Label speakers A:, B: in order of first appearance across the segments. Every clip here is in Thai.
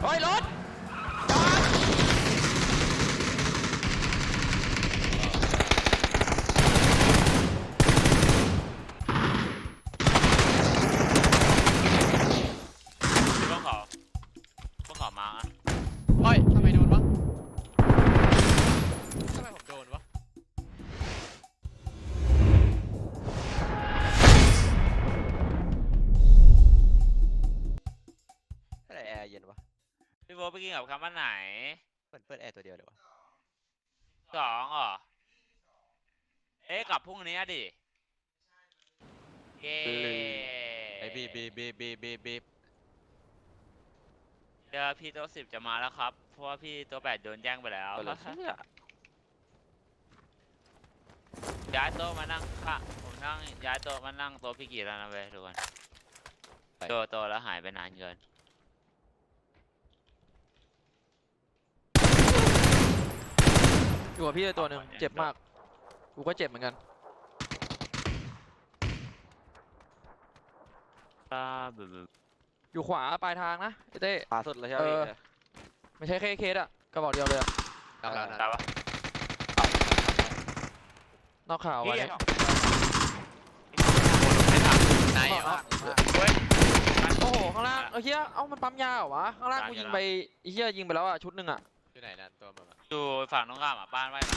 A: เฮ้ยรถ
B: ต้องขอมาอะ
A: เฮ้ยทำไมโดนวะทำไมผมโดนวะอะไรแอร์เย็นวะ
B: พี่โบไปกินกับคำว่าไหน
A: เปิดแอร์ตัวเดียวเลยวะ
B: 2เหรอเอ๊ะกับพรุ่งนี้ดิเย้
A: ไอ้บีบ
B: เดี๋ยวพี่ตัว10จะมาแล้วครับเพราะว่าพี่ตัว8โดนแย่งไปแล้วย้ายโต๊ะมานั่งค่ะผมนั่งย้ายโต๊ะมานั่งโต๊ะพี่กี่แล้วนะเว้ยทุกคนโตแล้วหายไปนานเกิน
C: อยู่กับพี่ตัวหนึ่งเจ็บมากกูก็เจ็บเหมือนกันอยู่ขวาปลายทางนะไอ้เต้
A: ขวาสุดเลยใช่ไหม
C: ไม่ใช่แค่เคสอะกระบอกเดียวเลยอะ
A: กำลัง
B: ตายปะ
C: นอกข่าวไว้
A: นายอ่ะ
B: เฮ้ย
C: โอ้โหข้างล่างเฮียเอ้ามันปั๊มยาเหรอวะข้างล่างกูยิงไปเฮียยิงไปแล้วอะชุดหนึ่งอะ
A: อยู่ไหนนั่นตัวมึงอ่ะ
B: อยู่ฝั่งตรงข้ามอ่ะบ้านไว้หลัง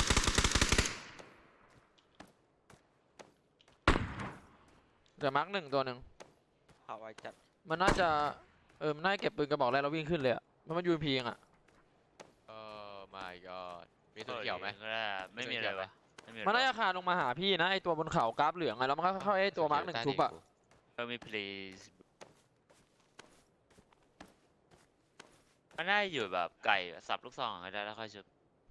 C: เดี๋ยวมาร์กหนึ่งตัวหนึ่ง
A: เอาไว้จัด
C: มันน่าจะมันน่าจะเก็บปืนกระบอกแรกแล้ววิ่งขึ้นเลยอะมันยูนพีเองอะ
A: my god มีตัวเขียวไหม
B: ไม่มีอะไรวะ
C: มันน่าจะคานลงมาหาพี่นะไอตัวบนเขากราฟเหลืองไงแล้วมันก็เข้าไอตัวมาร์กหนึ่งชุบอะ
B: มี please มันได้อยู่แบบไก่สับลูกซองก็ได้แล้วค่อยชุบ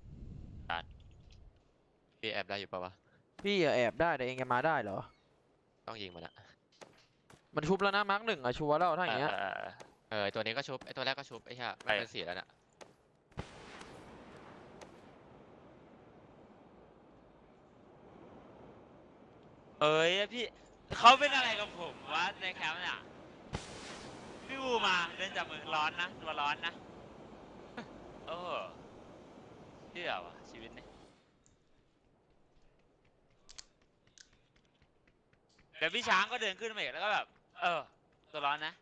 A: พี่แอบได้อยู่ปะวะ
C: พี่แอบได้แต่เองจะมาได้เหรอ
A: ต้องยิงมันอะ
C: มันชุบแล้วนะมาร์กหนึ่งอะชัวร์แล้วถ้าอย่างเงี้ย
A: ตัวนี้ก็ชุบไอตัวแรกก็ชุบไอ้ห่ามันเป็นสีแล้วน่ะ
B: เอ้ยพี่เขาเป็นอะไรกับผมวะในแคมป์เนี่ยพี่วูมาเดินจับมือร้อนนะตัวร้อนนะโอ้เชื่อวะชีวิตเนี่ยเดี๋ยวพี่ช้างก็เดินขึ้นมาอีกแล้วก็แบบตัวร้อนนะ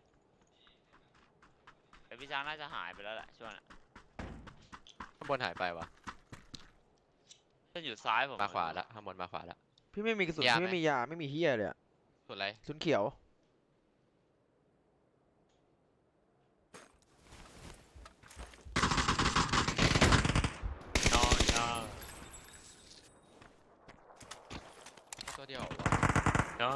B: แต่พี่ช้างน่าจะหายไปแล้วแหละช่วงนั้น
A: ข้างบนหายไปวะ
B: ขึ้นอยู่ซ้ายผม
A: มาขวาละข้างบนมาขวาละ
C: พี่ไม่มีกระสุนพี่ไม่มียาไม่มีเฮียเลยอะ
A: สุดไร
C: สุนเขียว
A: ตัวเดียว
B: no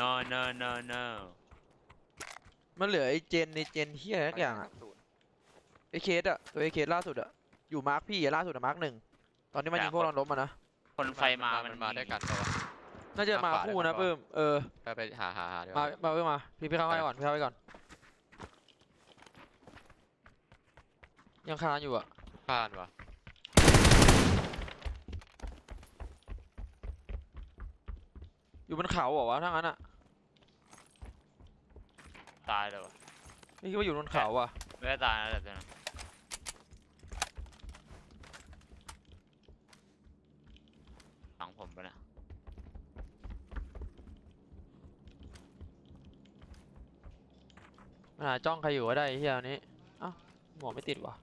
C: มันเหลือไอเจนในเจนเฮียทุกอย่างอะไอเคสอะตัวไอเคสล่าสุดอะอยู่มาร์กพี่ล่าสุดอะมาร์กหนึ่งตอนนี้มันยิงพวกเราล้มมานะ
B: คนไฟมัน
A: มาด้วยกันตัว
C: น่าจะมาคู่นะเพิ่ม
A: ไปหาดีก
C: มา
A: ว่า
C: เพิ่มมาพี่เข้าให้ก่อนพี่เข้าให้ก่อนยังคานอยู่อะ
A: ผ่านวะ
C: อยู่บนเขาเหรอวะถ้างั้นอะ
B: ตายเลยวะ
C: นี่คิดว่าอยู่บนเขาอะ
B: ไม่ได้ตายนะแต่ตัวนั้นหลังผมไปนะ
C: มันหาจ้องใครอยู่ก็ได้เฮียนี้เอ้าหมวกไม่ติดวะ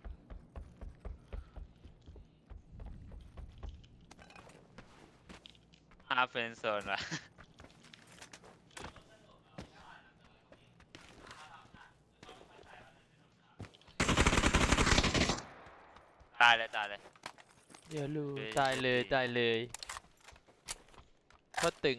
B: เฟรนด์โซนวะตายเลย
C: เดี๋ยวรู้ตายเลยก็ตึง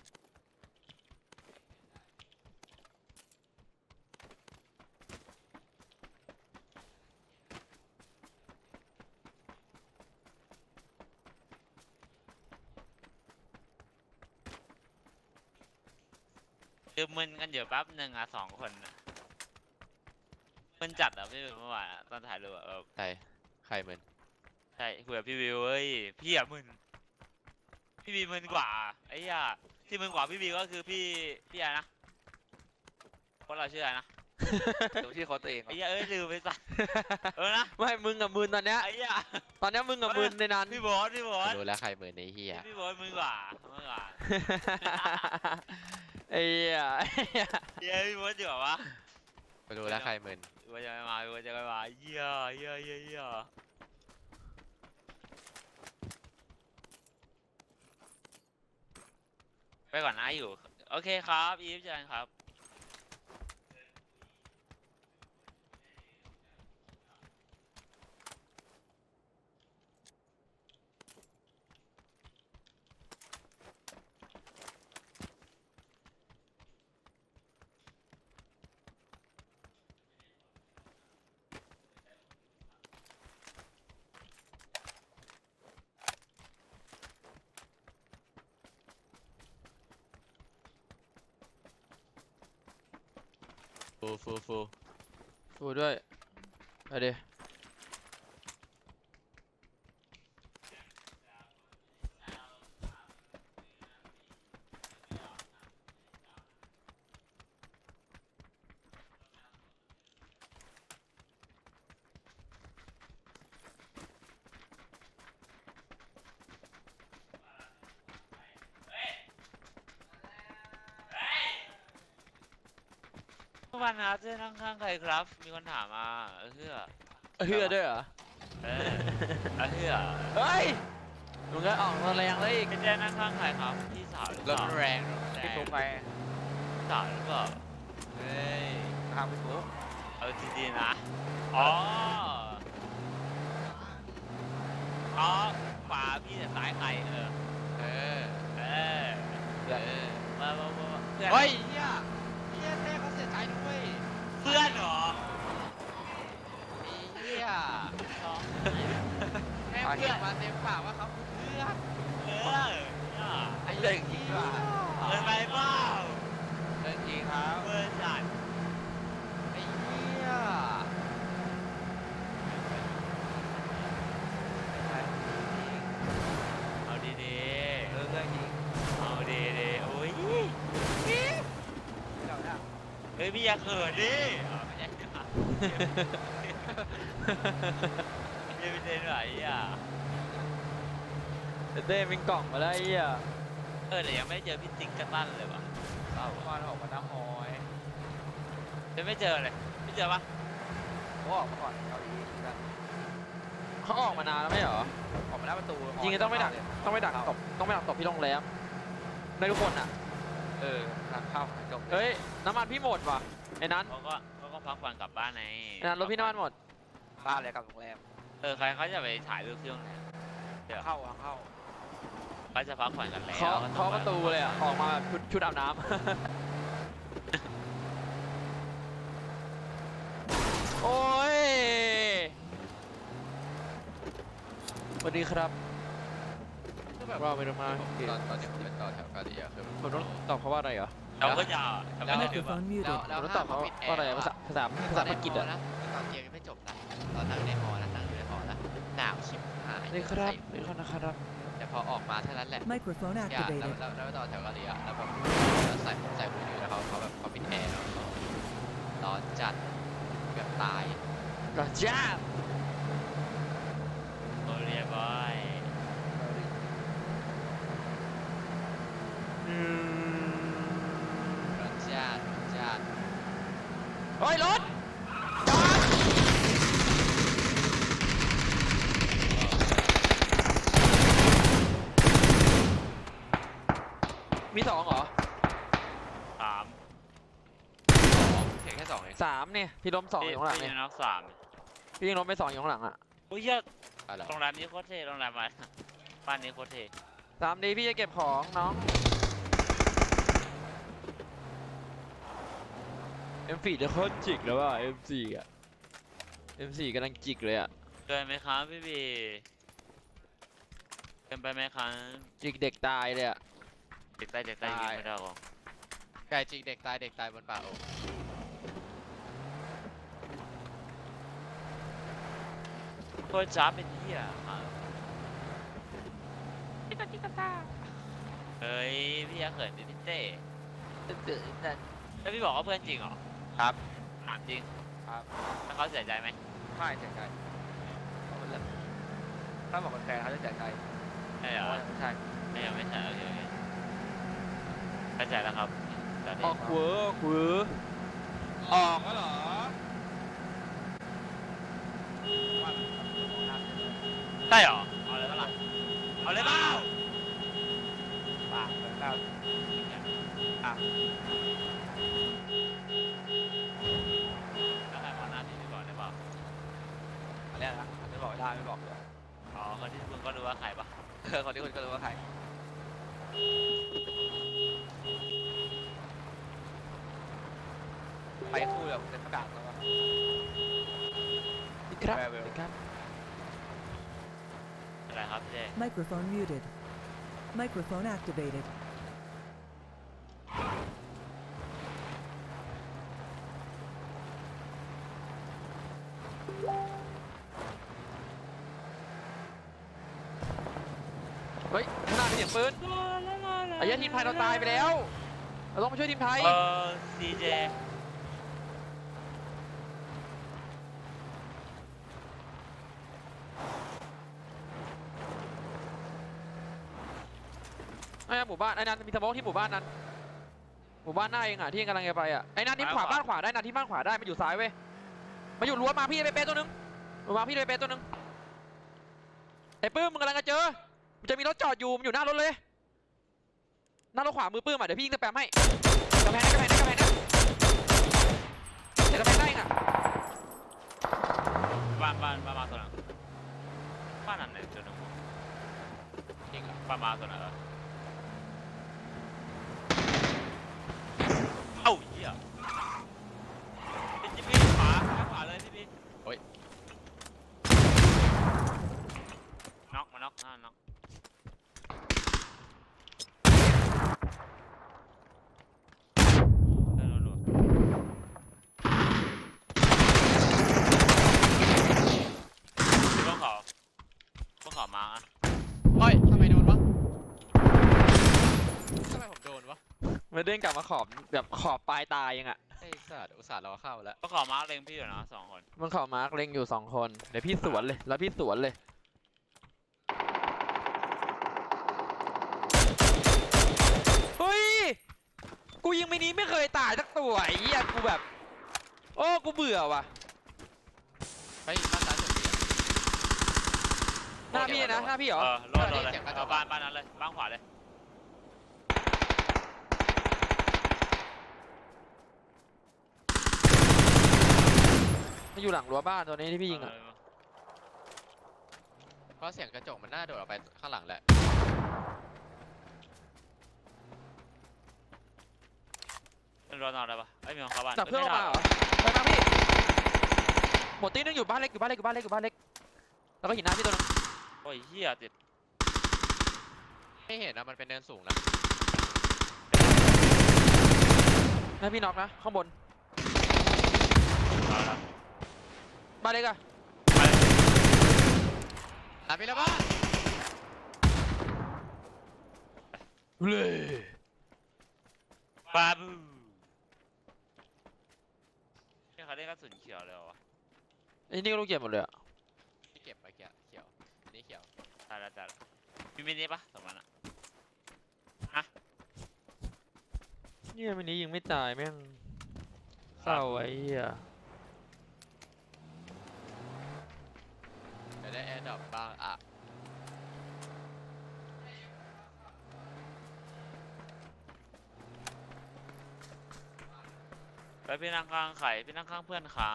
B: คือมึนกันอยู่แป๊บหนึ่งอ่ะ2 คนมึนจัดอ่ะพี่เมื่อวานตอนถ่ายรูปอ่ะ
A: ใครมึน
B: ใช่คุยกับพี่วิวเฮ้ยพี่อ่ะมึนพี่วิวมึนกว่าไอ้ย่าที่มึนกว่าพี่วิวก็คือพี่อะไรนะพวกเราชื่ออะไรนะ
D: ดูที่เขาตัวเอง
B: ไอ้เหี้ยลืมไปสัตว์นะ
C: ไม่มึงกับมึนตอนเนี้ย
B: ไอ้เหี้ย
C: ตอนเนี้ยมึงกับมึนในนั้น
B: พี่บอส
A: รู้แล้วใครมือในเฮีย
B: พี่บอสมึงกว่ามึงกว่า
C: ไอ้เหี้ย
B: เหี้ยพี่บอสดีกว่าวะ
A: รู้แล้วใครมือ
B: พี่บอสจะไม่มาพี่บอสจะไม่มาเหี้ยไปก่อนนะอยู่โอเคครับอีฟเจอกันครับ
A: ฟู
C: ฟูด้วยไปดิ
B: ทุกวันนะเจ๊นั่งข้างใครครับมีคนถามมาเฮือ
C: เฮือด้วยเหรอ
B: เฮือ
C: เฮ้ยมึงก็ออกมาแรงเลยอีก
B: เจ๊นั่งข้างใครครับพี่สาวหรือเป
A: ล
B: ล่าม
A: แรง
D: พี่ตุ๊กไป
B: พี่สาวหรือเปล่า
D: เฮ้ยทางพี่ตุ๊ก
B: เอาจริงๆนะอ๋อขวาพี่แต่ซ้ายใคร
A: เออ
B: เออ
A: เออ
B: มาเพื่อน
D: เฮ้ยเฮียเท่เขาเสียใจด้วย
B: เพื่อนเหรอ
D: เฮียแม่งเพื่อนมาเต็มปากว่าเขาคือเพื่อน
B: เออ
D: ไอ้เรื่องจริงว่ะ
B: เกินไปเปล่า
D: เรื่องจริงครับ
B: เพื่อนจัด
D: ไอ้เฮีย
B: เอาดี
D: เรื่องจริง
B: ๆเอาดีๆโอ้ย
D: เราเนี่ย
B: เฮ้ยพี่อย่าเขินดิไม่ใช่ไม่เป็นเด่นไหนอ่ะ
C: เต้เป็นกล่องมาแล้วไอ้เหี้ย
B: แต่ยังไม่เจอพี่ติ๊กกระตั้นเลยว่ะ
D: เราเมื่อวานออกมาหน้าฮอย
B: ยังไม่เจอเลยไม่เจอปะ
D: เขาออกมาก่อนเกาหลีกัน
C: เขาออกมานานแล้วไม่เหรอ
D: ออกมาหน้าประตู
C: จริงๆต้องไม่ดักตบต้องไม่ดักตบที่โรงแรมในทุกคนอ่ะ
D: ทางเข้าจบ
C: เฮ้ยน้ำมันพี่หมดว่ะไอ้นั้น
B: เขาก็พักผ่อนกลับบ้านไง
C: ไอ้นั้นรถพี่น้ำมันหมด
D: บ้านเลยกับโรงแรม
B: ใครเขาจะไปถ่ายรูปที่โรงแรม
D: เข้าทางเข้า
B: เขาจะพักผ่อนกันแล้ว
C: เคาะประตูเลยอ่ะออกมาชุดอาบน้ำ โอ้ยสวัสดีครับ
D: คือแบบ
C: ว่าไปมา
A: ตอนนี้ผมเป็นต่อแถวกาลีอะคือ
C: ผมต้องตอบเขาว่าอะไรเหรอ
B: เราก็จะเราก็จะถือว่า
E: Microphone
D: แล้ว
E: muted.
C: ผมต้องตอบเขาว่าอะไรอะภาษาอังกฤษอ่ะ
D: นะตอนเกมยังไม่จบนะตอนนั่งในหอนะนั่งอยู่ในหอนะหนาวชิบหาย
C: นี่ครับนี่ครับนะครับ
D: แต่พอออกมาเท่านั้นแหละ
E: Microphone
D: อย่าแล้ว
E: activated.
D: แล้วต่อแถวกะหรี่อ่ะแล้วแบบแล้วใส่มือถือแล้วเขาแบบเขาปิดแอร์แล้วร้อนจัดแบบตาย
C: ก็จ้า
B: โอเรียบอย
D: ร้อนจัดร้อนจัด
C: เฮ้ยรถมีสองเหรอ
B: สาม
D: เพียงแค่สองเอง
C: สามเนี่ยพี่ล้มสองอยู่ข้างหลัง
B: พี่
C: เนี่ย
B: น็อกสาม
C: พี่ยังล้มไปสองอยู่ข้างหลังอ่ะ
B: โอ้ยเหี้ย
A: อะไร
B: โรงแรมนี้โคตรเท่โรงแรมอะไรบ้านนี้โคตรเท่
C: สามดีพี่จะเก็บของน้องM4 จะโคตรจิกแล้วว่ะ M4 อ่ะ M4 กำลังจิกเลยอ่ะ
B: เกินไหมครับพี่บีเกินไปไหมครับ
C: จิกเด็กตายเลยอ่ะ
B: เด็กใต้ยิงไม่ได้หรอก
D: ไก่จริงเด็กตายบนป่าโอ้
B: โคตรจ้าเป็นเหี้ยครับเฮ้ยพี่อยาเขินดิพี่เต้แล้วพี่บอกว่าเพื่อนจริงเหรอ
D: ครับ
B: อามจริง
D: ครับ
B: ถ้าเขาเสียใจไหม
D: ไม่เสียใจถ้าบอกเป็นแฟนเขาจะเสียใจ
B: ไม่เหรอ
D: ไม่ใช่
B: ไม่ใช่โอเคโอเคเข้าใจแล้วครับตอนนี้
C: ออกเวอร์เวอร์
D: ออกก็เหรอ
B: ได้เหรอเอาเลยปะล่ะเอาเลยเปล่า
D: ปากเหมือนเราอ่ะ
B: แล้วใครมองหน้าพี่ก่อนได้เปล่า
D: อันนี้นะไม่บอกได้ไม่บอกเลย
B: อ๋อคนที่คุณก็รู้ว่าใครปะ
D: คนที่คุณก็รู้ว่าใครไปคู่แบบเป็นประกาศแล้วว่า
C: ครับ
D: แวร์เวล
C: ครับ
B: อะไรครับพี่เจ
E: Microphone muted. Microphone activated.
C: เฮ้ยข้างหน้ามีเสียงปืนไอ้เหี้ยทีมไทยเราตายไปแล้วเราต้องมาช่วยทีมไทย
B: ซีเจ
C: ไอ้หมู่บ้านไอ้นันมีสโมองที่หมู่บ้านนั้นหมู่บ้านหน้าเองอ่ะที่เองกำลังจะไปอ่ะไอ้นันที่ขวาบ้านขวาได้นันที่บ้านขวาได้มันอยู่ซ้ายเว้ยมาอยู่รั้วมาพี่ไปเป๊ะตัวนึงมาพี่ไปเป๊ะตัวนึงไอ้ปื้มมึงกำลังจะเจอมันจะมีรถจอดอยู่มันอยู่หน้ารถเลยหน้ารถขวามือปื้มอ่ะเดี๋ยวพี่ยิงสแปมให้กำแพงนะเดี๋ยวกำแพงได้เองอ่ะ
B: บ้านมาตัวไหนบ้านนั้นไหนตัวหนึง
D: จริงเหรอ
B: บ้านมาตัวไหนเหรอเอ้าเหี้ยพี่ขวาเลยพี่น็อกมาน็อกน็อกพวกเขามาอ่ะ
D: เฮ้ยทำไมโดนวะทำไมผมโดนวะ
C: มันเด้งกลับมาขอบแบบขอบปลายตายยังอ่ะ
D: ไอ้สัตว์อุตส่าห์รอเข้าแล้ว
B: พวกเขามาเล็งพี่อยู่นะ2 คน
C: มันขอบมาร์กเล็งอยู่2 คนเดี๋ยวพี่สวนเลยแล้วพี่สวนเลยเฮ้ยกูยิงมินิไม่เคยตายสักตัวไอ้เหี้ยกูแบบโอ้กูเบื่อว่ะ
D: ไปบ้านซ้ายสุดดี
C: หน้าพี่นะหน้าพี่เหรอ
B: โลดเลยบ้านนั้นเลยบ้านขวาเลย
C: มันอยู่หลังรั้วบ้านตัวนี้ที่พี่ยิงอ่ะ
D: เพราะเสียงกระจกมันน่าโดดออกไปข้างหลังแหละ
B: เป็นรถนอนได้ปะไอ้มีของเขาบ้าน
C: จับเพื่อนออกมาเหรอไปมาพี่หมดตีนึงอยู่บ้านเล็กแล้วก็หินหน้าพี่ตัวนึง
B: โอ้ยเหี้ยติด
D: ไม่เห็นนะมันเป็นเนินสูงนะ
C: หน้าพี่น็อกนะข้างบน
B: เอาละ
C: บ้านเล็กอะ
D: หาไปแล้วบ้าน
C: เลย
B: บาบูนี่เขาเล่นกระสุนเขียวเลยเหรอวะ
C: ไอ้นี่ก็ลูกเก็บหมดเลยอะ
D: ที่เก็บไปเขียวอันนี้เขียว
B: ตายแล้วมีมินิปะสองมันอะ
C: เนี่ยวันนี้ยิงไม่ตายแม่งเศร้าไอ้เหี้ย
D: จะได้แอร์ดรอปบ้างอ่ะ
B: ไปพี่นั่งข้างไข่พี่นั่งข้างเพื่อนขา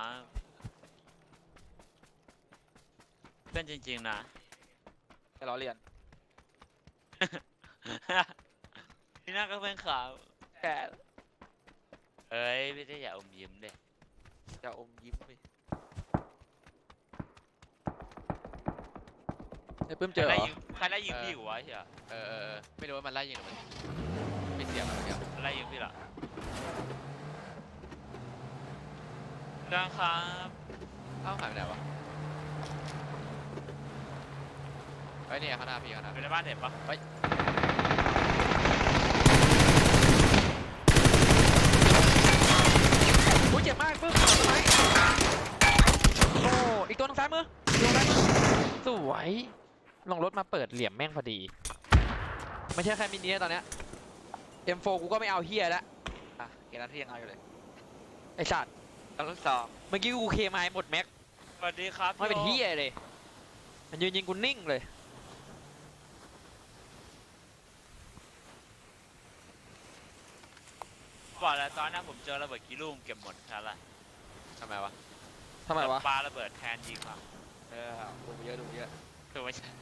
B: เพื่อนจริงๆนะ
C: จะล้อเลียน
B: พี่นั่งกับเพื่อนขา
C: แก
B: เอ้ยพี่ได้อย่าอมยิ้มเด้
C: จะอมยิ้มไปไอ้ปื้มเจอเหรอ
B: ใครไล่ยิงพี่อยู่วะเฮีย
D: ไม่รู้ว่ามันไล่ยิงหรือมันไม่เสียงอะไรเงี้ย
B: ไล่ยิงพี่ละดังครับ
D: เอ้าหายไปไหนวะไอ้ยเนี่ยข้างหน้าพี่ข้างหน้า
B: อยู่ในบ้านเห็นปะ
C: โอ้ยเจ็บมากปื้มต้นไม้ายมืออยู่ซ้ายมือสวยลงรถมาเปิดเหลี่ยมแม่งพอดีไม่ใช่แค่มินิตอนเนี้ย M4 กูก็ไม่เอาเฮียแล้ว
B: อ่ะเกมนั้นที่ยังเอาอยู่เลย
C: ไอ้สัตว์
B: แล้วลูกสอง
C: เมื่อกี้กูเคมายหมดแม็ก
B: สวัสดีครับ
C: ไม่เป็นเฮียเลยมันยืนยิงกูนิ่งเลย
B: บอกแล้วตอนนั้นผมเจอระเบิดกี่ลูกเก็บหมดใช่ละ
D: ทำไมวะ
C: ทำไมวะ
B: ปาระเบิดแทนยิงอ่ะ
D: ดูเยอะดูเยอะ
B: คือไม่ใช่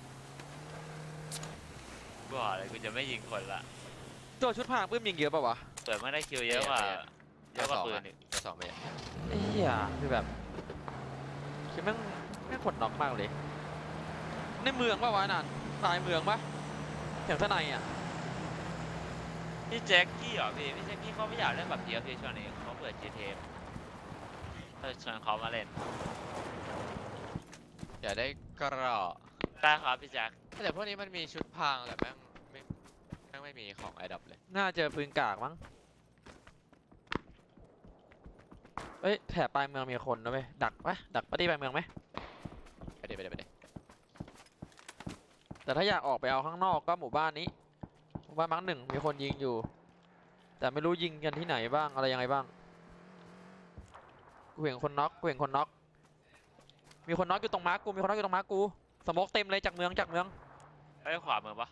B: บอกเลยกูจะไม่ยิงคนละ
C: ตัวชุดพรางปื้มยิงเยอะป่าวะ
B: เปิดไม่ได้คิวเยอะกว่าเยอะกว่าปืนอีก
D: จะสองไปอ่ะ
C: ไอ้เหี้ยคือแบบคือแม่งกดน็อกมากเลย ในเมืองป่าวะนั่นตายเมืองปะอย่างข้างในอ่ะ
B: พี่แจ็คกี้เหรอพี่แจ็คกี้เขาไม่อยากเล่นแบบเดียวพี่ช่วงนี้เขาเปิด GTA ชวนเขามาเล่น
D: อย่าได้กระรอก
B: ได้ครับพี่แจ็ค
D: แต่พวกนี้มันมีชุดพรางแต่แม่งไม่มีของไอดับเลย
C: น่าเจอปืนกากมั้งเอ้ยแถบปลายเมืองมีคนนะเว้ยดักปะดักปะที่ปลายเมืองไหม
D: ไปเดี๋ยวไปเดี๋ยวไปเดี๋ยว
C: แต่ถ้าอยากออกไปเอาข้างนอกก็หมู่บ้านนี้หมู่บ้านมั้งหนึ่งมีคนยิงอยู่ แต่ไม่รู้ยิงกันที่ไหนบ้างอะไรยังไงบ้างกูเห็นคนน็อกกูเห็นคนน็อกมีคนน็อกอยู่ตรงมาร์กกูมีคนน็อกอยู่ตรงมาร์กกูสโมกเต็มเลยจากเมือง
B: เอ้ยขวามือปะ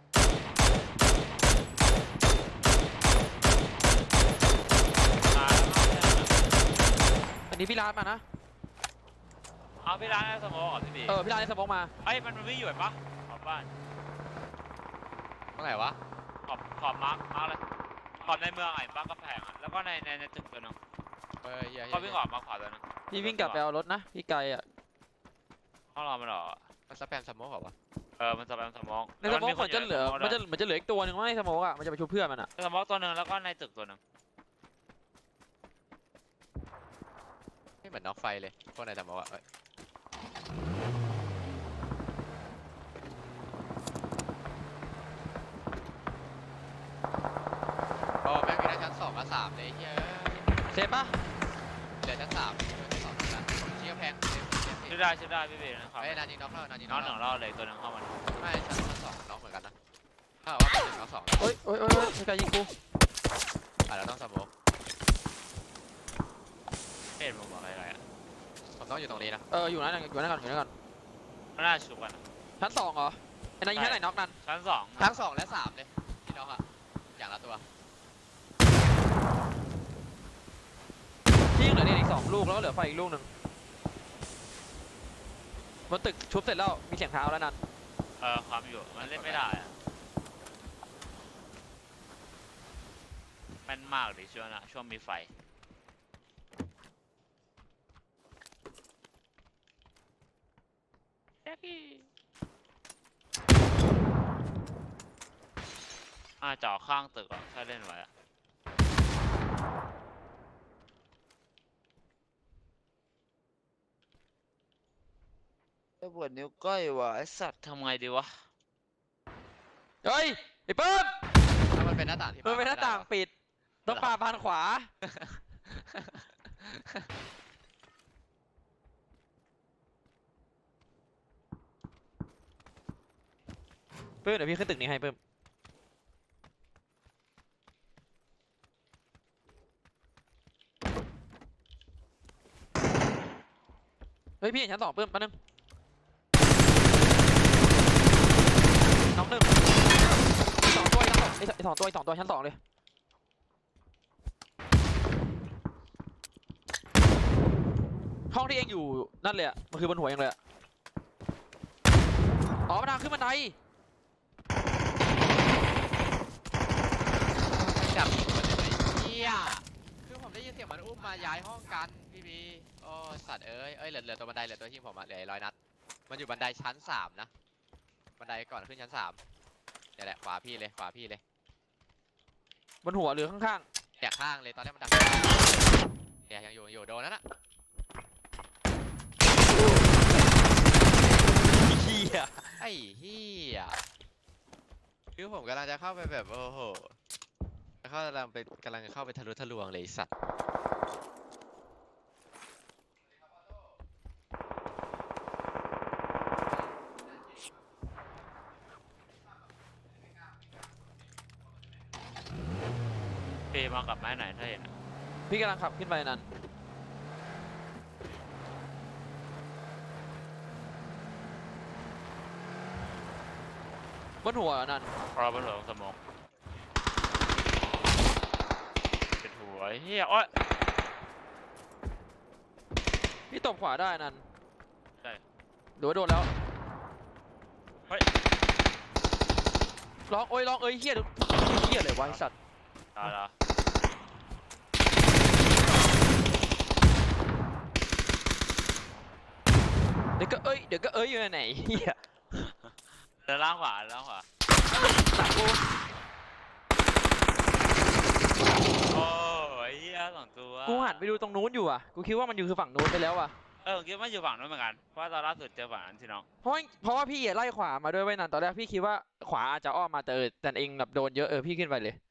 B: มาแล้วมาแล้ว
C: อันนี้พี่ร้านมานะ
B: เอาพี่ร้านให้สโมองก่อนพี่บี
C: พี่ร้านได้สโมกมา
B: เอ้ยมันวิ่งอยู่เห็นปะขอบบ้าน
D: เมื่อไหร่วะ
B: ขอบมาร์คเลยขอบในเมืองไอ้บ้านก็แพงอ่ะแล้วก็ในตึกตัวนึง
D: เหี้ย
B: เขาวิ่งออกมาขวาตัวนึง
C: พี่วิ่งกลับไปเอารถนะพี่ไกลอ่ะ
B: ห้องเรามันหรอ
D: มันสแปมสโมกเหรอวะ
B: มันจะเป็นสโมอง
C: ในสโมกเหมือนจะเหลือมันจะเหลืออีกตัวหนึ่งว่าในสโมกอ่ะมันจะไปชุบเพื่อนมันอ่ะ
B: สโมองตัวนึงแล้วก็ในตึกตัวนึง
D: ไม่เหมือนน็อกไฟเลยพวกนายสโมกอะโอ้แม่งมีทั้งชั้น2 กับ 3เลยเฮ้ย
C: เซฟปะ
D: เหลือชั้น3เหลือชั้น2นะผมเชี่ยแพงเต็ม
B: ชื่อได้พี่บีนะครับ
D: ไอ้ยนานยิงน็อกแล้วนานยิง
B: น้
D: น็
B: อ
D: อง ก
B: หนึ่ง
D: แล้ว
B: รอบเลยตัวนึงเข้ามา
D: ไม่ชั้น2น็อกเหมือนกันนะถ้าว่าเป็นน็อก2นะ
C: โอ้ยพี่ไกลยิงกู
D: เราต้องสโมก
B: เอ็ดมึงบอกอะไรอ่ะ
D: ผมต้องอยู่ตรงนี้นะ
C: อยู่นั่นก่อน
B: มันน่าชุบกัน
C: ชั้น2เหรอไอ้นั่นยิงชั้นไหนน็อกนั่น
B: ชั้นสอง
D: ทั้ง2 และ 3เลยพี่น้องอะอย่างละตัว
C: พี่ยังเหลือเด็กอีก2ลูกแล้วก็เหลือไฟอีกลูกหนึ่งบนตึกชุบเสร็จแล้วมีเสียงเท้าแล้วนั่น
B: ความอยู่มันเล่นไม่ได้อะแม่นมากเลยช่วงมีไฟจ่อข้างตึกอ่ะถ้าเล่นไว้อะจะปวดนิ้วก้อยวะไอสัตว์ทำไงดีวะ
C: เฮ้ยไอ้เปิ้ม
D: ถ้ามันเป็นหน้าต่างที่
C: มันเป็นหน้าต่างปิดต้องปาบานขวาเปิ้มเดี๋ยวพี่ขึ้นตึกนี้ให้เปิ้มเฮ้ยพี่เห็นชั้น2เปิ้มแป๊บนึงน้องหนึ่งอีก2ตัวอีก2ตัวชั้น2เลยห้องที่เองอยู่นั่นเลยอะมันคือบนหัวเองเลยอะอ๋อมันทางขึ้นบันได
D: จับมันเลยเฮียคือผมได้ยินเสียงมันอุ้มมาย้ายห้องกันพี่บีโอ้สัตว์เอ้ยเหลือตัวบันไดเหลือตัวที่ผมอะเหลือ100 นัดมันอยู่บันไดชั้น3นะบันไดก่อนขึ้นชั้น3เนี่ยแหละขวาพี่เลย
C: บนหัวหรือข้าง
D: เนี่ยข้างเลยตอนแรกมันดังเนี่ยยังอยู่โดนนั่นน่ะ
C: ๆเฮีย
D: ไอ้เฮียคือผมกำลังจะเข้าไปแบบโอ้โหกำลังเข้าไปทะลุทะลวงเลยไอ้สัตว์
C: เ
B: กลับมาให้หน่อยถ้าเห็นอะ
C: พี่กำลังขับขึ้นไปนั้นบนหัวนั่น
B: รอบนหัวของสมองเป็นหัวเฮียโอ้ย
C: พี่ตบขวาได้นั่น
B: ใช่
C: หรือว่าโดนแล้ว
B: เฮ้ย
C: ร้องโอ้ยร้องเอ้ยเฮียเฮียเลยวะไอ้สัตว์
B: ตายแล้ว
C: เดี๋ยวก็เอ้ยอยู่ไหนเฮีย
B: เดินล่างขวาล่างขวา
C: หนักกู
B: โอ้ยเฮียสองตัว
C: กูหันไปดูตรงนู้นอยู่อ่ะกูคิดว่ามันอยู่คือฝั่งนู้นไปแล้วอ่ะ
B: ผมคิดว่าอยู่ฝั่งนู้นเหมือนกันเพราะว่าตอนล่าสุดเจอฝั่งนั้นสิน้อง
C: เพราะว่าพี่ไล่ขวามาด้วยไว้ยนั่นตอนแรกพี่คิดว่าขวาอาจจะอ้อมมาแต่เองแบบโดนเยอะพี่ขึ้นไปเลย